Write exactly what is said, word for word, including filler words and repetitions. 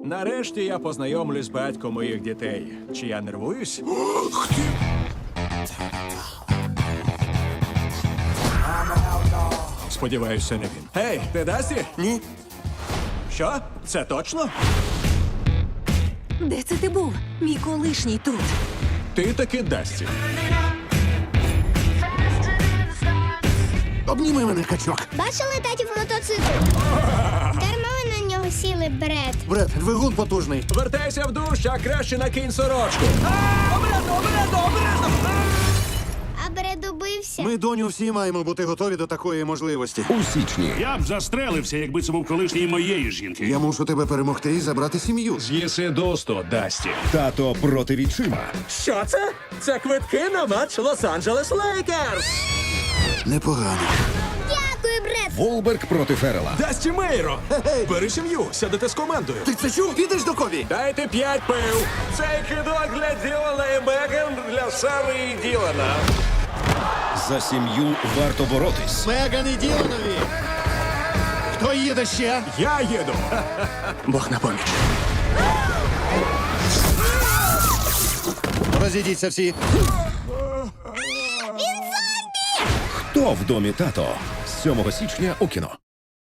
Нарешті я познайомлюсь з батьком моїх дітей. Чи я нервуюсь? Сподіваюся, не він. Гей, ти Дасті? Ні. Що? Це точно? Де це ти був? Мій колишній тут. Ти таки Дасті. Обніми мене, качок. Бачили татів мотоцикл? Дарма ви на нього сіли, Бред. Бред, двигун потужний. Вертайся в душ, а краще накинь сорочку. Обережно, обережно, обережно! А Бред убився. Ми, доню, всі маємо бути готові до такої можливості. У січні. Я б застрелився, якби це був колишній моєї жінки. Я мушу тебе перемогти і забрати сім'ю. З'їси досто, Дасті. Тато проти відчима. Що це? Це квитки на матч Лос-Анджелес Лейкерс. Непогано. Дякую, Бред. Волберг проти Феррела. Дасті Мейро! Бери сім'ю, сядете з командою. Ти це чув? Підеш до Кові? Дайте п'ять пив. Цей кидок для Ділана і Меган для Сари і Ділана. За сім'ю варто боротись. Меган і Діланові. Хто їде ще? Я їду. Бог на поміч. Розійдіться всі. Хто в домі тато? З сьомого січня у кіно.